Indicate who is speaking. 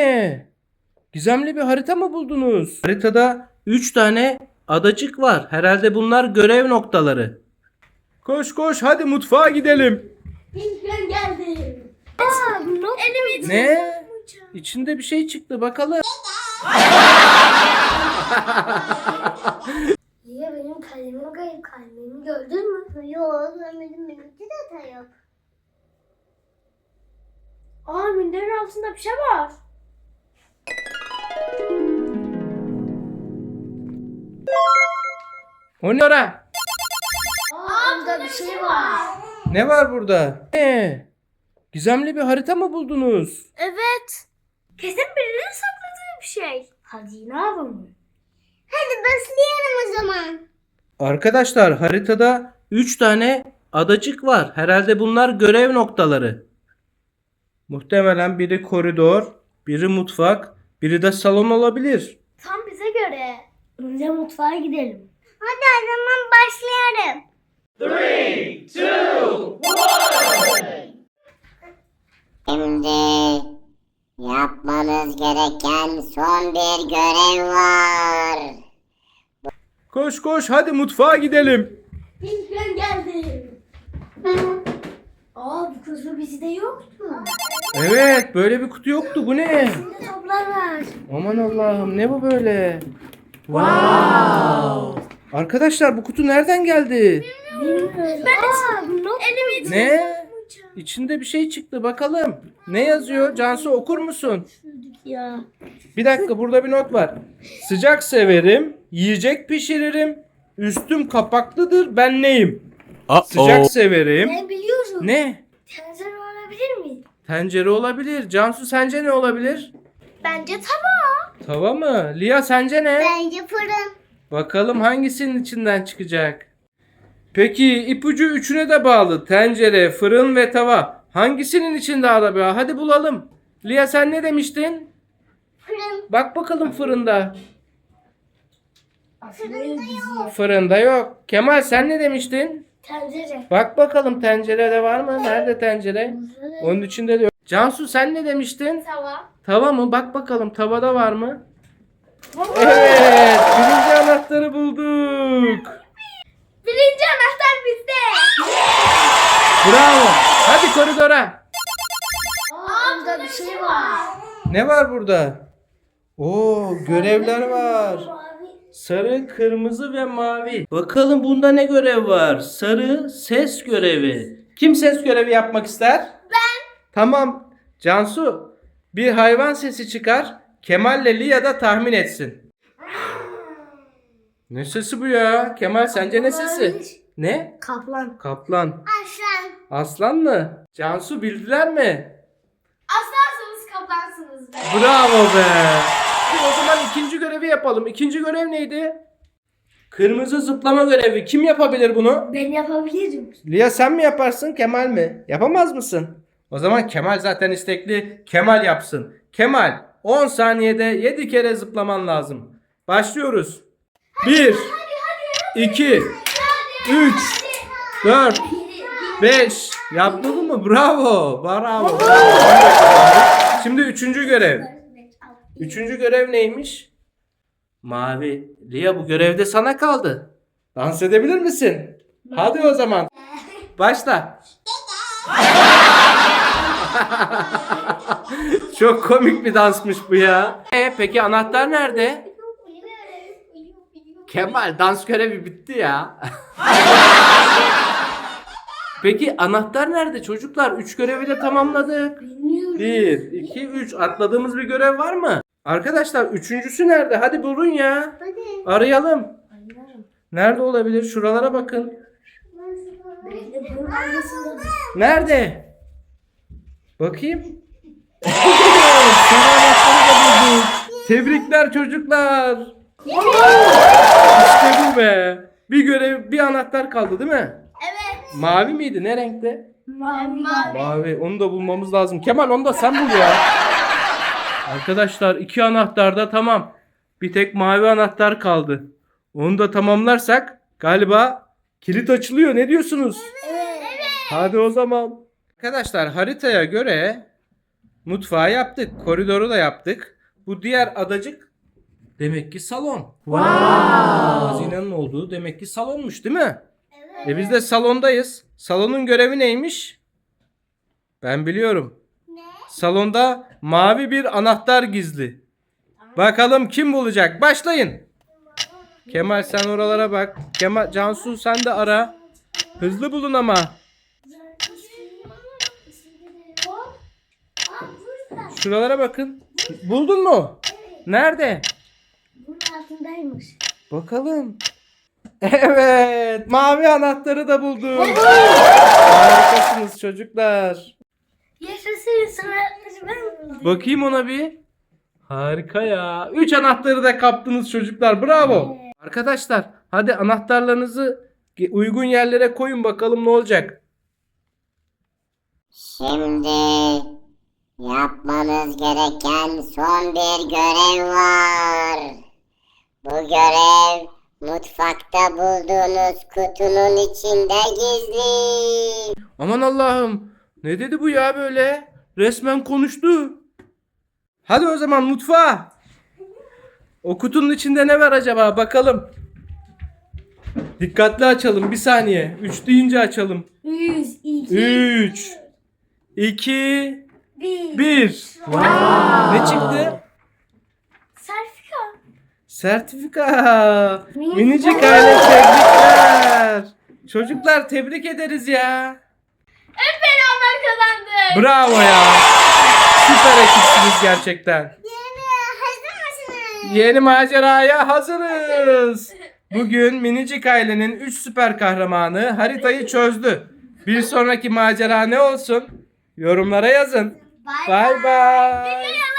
Speaker 1: ne? Gizemli bir harita mı buldunuz? Haritada 3 tane adacık var. Herhalde bunlar görev noktaları. Koş koş hadi mutfağa gidelim.
Speaker 2: Ben geldim. Elimi
Speaker 1: Ne? İçinde bir şey çıktı bakalım.
Speaker 2: Niye benim kalemim kayıp, kalemimi gördün mü? Yok görmedim, benimki de hata yok. Minderin altında bir şey var.
Speaker 1: O ne ora?
Speaker 2: Burada bir şey var.
Speaker 1: Ne var burada? Ne? Gizemli bir harita mı buldunuz?
Speaker 2: Evet. Kesin birinin sakladığı bir şey. Hazine avı mı? Hadi başlayalım o zaman.
Speaker 1: Arkadaşlar haritada 3 tane adacık var. Herhalde bunlar görev noktaları. Muhtemelen biri koridor, biri mutfak, biri de salon olabilir.
Speaker 2: Tam bize göre. Önce mutfağa gidelim. Hadi o zaman başlayalım.
Speaker 1: 3, 2, 1.
Speaker 3: Şimdi yapmanız gereken son bir görev var.
Speaker 1: Koş koş hadi mutfağa gidelim.
Speaker 2: Ben geldim. Bu kutu bizde yoktu.
Speaker 1: Evet böyle bir kutu yoktu. Bu ne?
Speaker 2: Şimdi toplar var.
Speaker 1: Aman Allah'ım ne bu böyle? Wow. Arkadaşlar bu kutu nereden geldi?
Speaker 2: Elimi
Speaker 1: Ne? İçinde bir şey çıktı bakalım. Ne yazıyor? Cansu okur musun?
Speaker 2: ya.
Speaker 1: Bir dakika burada bir not var. Sıcak severim, yiyecek pişiririm, üstüm kapaklıdır ben neyim? Sıcak severim.
Speaker 2: Ben biliyorum.
Speaker 1: Ne?
Speaker 2: Tencere olabilir mi?
Speaker 1: Tencere olabilir. Cansu sence ne olabilir?
Speaker 2: Bence tava.
Speaker 1: Tava mı? Lia sence ne?
Speaker 2: Bence fırın.
Speaker 1: Bakalım hangisinin içinden çıkacak? Peki ipucu üçüne de bağlı. Tencere, fırın ve tava. Hangisinin içinde araba? Hadi bulalım. Lia sen ne demiştin?
Speaker 2: Fırın.
Speaker 1: Bak bakalım fırında.
Speaker 2: Fırında yok.
Speaker 1: Fırında yok. Kemal sen ne demiştin?
Speaker 2: Tencere.
Speaker 1: Bak bakalım tencerede var mı? Nerede tencere? Onun içinde de yok. Cansu sen ne demiştin?
Speaker 2: Tava.
Speaker 1: Tava mı? Bak bakalım tavada var mı? Evet. Birinci anahtarı bulduk.
Speaker 2: Birinci anahtar bizde.
Speaker 1: Bravo. Hadi koridora.
Speaker 2: Burada bir şey var.
Speaker 1: Ne var burada? Oo görevler var.
Speaker 2: Mavi.
Speaker 1: Sarı, kırmızı ve mavi. Bakalım bunda ne görev var? Sarı ses görevi. Kim ses görevi yapmak ister? Ben. Tamam. Cansu bir hayvan sesi çıkar. Kemal ile Lia da tahmin etsin. Ne sesi bu ya? Kemal sence ne sesi? Ne?
Speaker 2: Kaplan.
Speaker 1: Kaplan.
Speaker 2: Aslan.
Speaker 1: Aslan mı? Cansu bildiler mi?
Speaker 2: Aslansınız kaplansınız be.
Speaker 1: Bravo be. Hadi o zaman ikinci görevi yapalım. İkinci görev neydi? Kırmızı zıplama görevi. Kim yapabilir bunu?
Speaker 2: Ben yapabilirim.
Speaker 1: Lia sen mi yaparsın Kemal mi? Yapamaz mısın? O zaman Kemal zaten istekli. Kemal yapsın. Kemal 10 saniyede 7 kere zıplaman lazım. Başlıyoruz. 1 2 3 4 5 Yaptın mı? Bravo. Bravo. Şimdi üçüncü görev. Üçüncü görev neymiş? Mavi. Lia bu görevde sana kaldı. Dans edebilir misin? Hadi o zaman. Başla. Çok komik bir dansmış bu ya. Peki anahtar nerede? Kemal dans görevi bitti ya. Peki anahtar nerede çocuklar? 3 görevi de tamamladık.
Speaker 2: Bilmiyorum.
Speaker 1: 1, 2, 3. Atladığımız bir görev var mı? Arkadaşlar üçüncüsü nerede? Hadi bulun ya.
Speaker 2: Hadi.
Speaker 1: Arayalım. Nerede olabilir? Şuralara bakın. Nerede? Bakayım. Sarı anahtarı da bulduk. Tebrikler çocuklar. İşte bu be. Bir görev, bir anahtar kaldı değil mi?
Speaker 2: Evet.
Speaker 1: Mavi miydi? Ne renkte?
Speaker 2: Mavi.
Speaker 1: Mavi. Onu da bulmamız lazım. Kemal onu da sen bul ya. Arkadaşlar 2 anahtar da tamam. Bir tek mavi anahtar kaldı. Onu da tamamlarsak galiba kilit açılıyor. Ne diyorsunuz?
Speaker 2: Evet.
Speaker 1: Hadi o zaman. Arkadaşlar haritaya göre Mutfağı yaptık. Koridoru da yaptık. Bu diğer adacık demek ki salon. Hazinenin olduğu demek ki salonmuş değil mi?
Speaker 2: Evet.
Speaker 1: Biz de salondayız. Salonun görevi neymiş? Ben biliyorum.
Speaker 2: Ne?
Speaker 1: Salonda mavi bir anahtar gizli. Bakalım kim bulacak? Başlayın. Kemal sen oralara bak. Kemal, Cansu sen de ara. Hızlı bulun ama.
Speaker 2: Hop. Aa, burada.
Speaker 1: Şuralara bakın. Buldun mu? Nerede?
Speaker 2: Bunun altındaymış.
Speaker 1: Bakalım. Evet, mavi anahtarı da buldum. Harikasınız çocuklar.
Speaker 2: Yaşasın sanatları ben buldum.
Speaker 1: Bakayım ona bir. Harika ya. 3 anahtarı da kaptınız çocuklar. Bravo. Arkadaşlar, hadi anahtarlarınızı uygun yerlere koyun bakalım ne olacak.
Speaker 3: Şimdi yapmanız gereken son bir görev var. Bu görev mutfakta bulduğunuz kutunun içinde gizli.
Speaker 1: Aman Allah'ım. Ne dedi bu ya böyle? Resmen konuştu. Hadi o zaman mutfağa. O kutunun içinde ne var acaba? Bakalım. Dikkatli açalım. Bir saniye. 3 deyince açalım.
Speaker 2: 100, 2,
Speaker 1: 3 2
Speaker 2: 1.
Speaker 1: 1. Ne çıktı?
Speaker 2: Sertifika.
Speaker 1: Sertifika. Minicik aile tebrikler. Çocuklar tebrik ederiz ya.
Speaker 2: Hep beraber kazandık.
Speaker 1: Bravo ya. Süper ekipsiniz gerçekten.
Speaker 2: Hazır mısınız?
Speaker 1: Yeni maceraya hazırız. Bugün Minicik ailenin 3 süper kahramanı haritayı çözdü. Bir sonraki macera ne olsun? Yorumlara yazın. Bay bay.